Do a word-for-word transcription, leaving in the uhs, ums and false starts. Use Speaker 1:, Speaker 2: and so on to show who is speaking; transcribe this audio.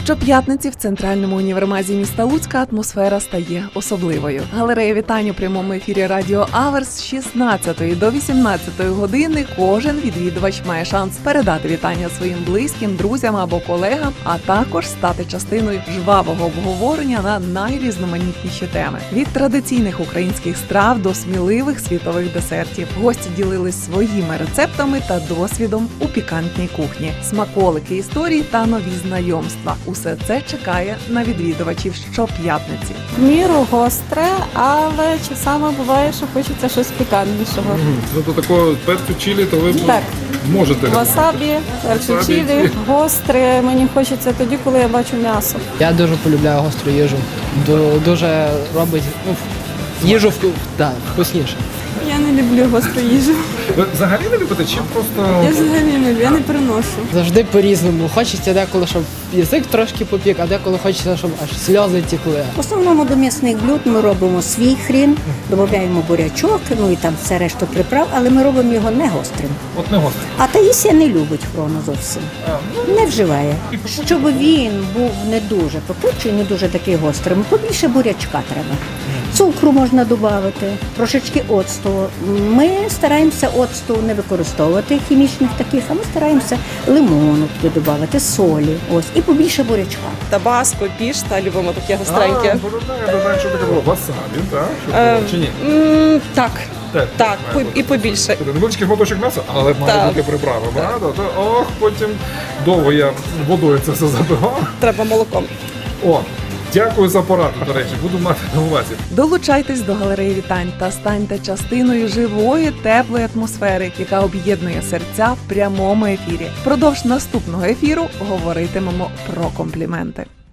Speaker 1: Щоп'ятниці в центральному універмазі міста Луцька атмосфера стає особливою. Галерея вітань у прямому ефірі Радіо Аверс з шістнадцятої до вісімнадцятої години кожен відвідувач має шанс передати вітання своїм близьким, друзям або колегам, а також стати частиною жвавого обговорення на найрізноманітніші теми. Від традиційних українських страв до сміливих світових десертів. Гості ділились своїми рецептами та досвідом у пікантній кухні. Смаколики, історії та нові знайомства. Усе це чекає на відвідувачів щоп'ятниці.
Speaker 2: В міру гостре, але часами буває, що хочеться щось пікантнішого.
Speaker 3: Ну, то такого перцю чилі, то ви
Speaker 2: Так.
Speaker 3: можете.
Speaker 2: Васабі, перцю
Speaker 3: Васабі.
Speaker 2: чилі, гостре мені хочеться тоді, коли я бачу м'ясо.
Speaker 4: Я дуже полюбляю гостру їжу. Ду- Дуже робить ну, їжу вку- да, вкусніше.
Speaker 2: Я не люблю гостру їжу.
Speaker 3: Ви взагалі не любите, чи просто...
Speaker 2: Я взагалі не люблю, я не переношу.
Speaker 4: Завжди по-різному. Хочеться деколи, щоб язик трошки попік, а деколи хочеться, щоб аж сльози тікли.
Speaker 5: В основному до м'ясних блюд ми робимо свій хрін, додаємо бурячок, ну і там все решту приправ, але ми робимо його не гострим.
Speaker 3: От не гостре.
Speaker 5: А Таїсія не любить хрону зовсім, не вживає. Щоб він був не дуже попутчий, не дуже такий гострим, побільше бурячка треба. Цукру можна додати, трошечки оцту. Ми стараємося оцту не використовувати хімічних таких, а ми стараємося лимону туди додати, солі. Ось, і побільше бурячка.
Speaker 6: Табаско, пішта, любимо таке гостреньке.
Speaker 3: А, боже, я знаю, що таке було. Васабі, так? Щоб
Speaker 6: Е,
Speaker 3: було, чи ні?
Speaker 6: М, Так,
Speaker 3: Так,
Speaker 6: так,
Speaker 3: має
Speaker 6: по-
Speaker 3: бути.
Speaker 6: і побільше.
Speaker 3: Це невеличкий шматочок м'яса, але має
Speaker 6: Так.
Speaker 3: бути приправа, правда? То, ох, потім довго я водою це все забивав.
Speaker 6: Треба молоком.
Speaker 3: О, дякую за пораду, до речі, буду мати на увазі.
Speaker 1: Долучайтесь до галереї вітань та станьте частиною живої, теплої атмосфери, яка об'єднує серця в прямому ефірі. Впродовж наступного ефіру говоритимемо про компліменти.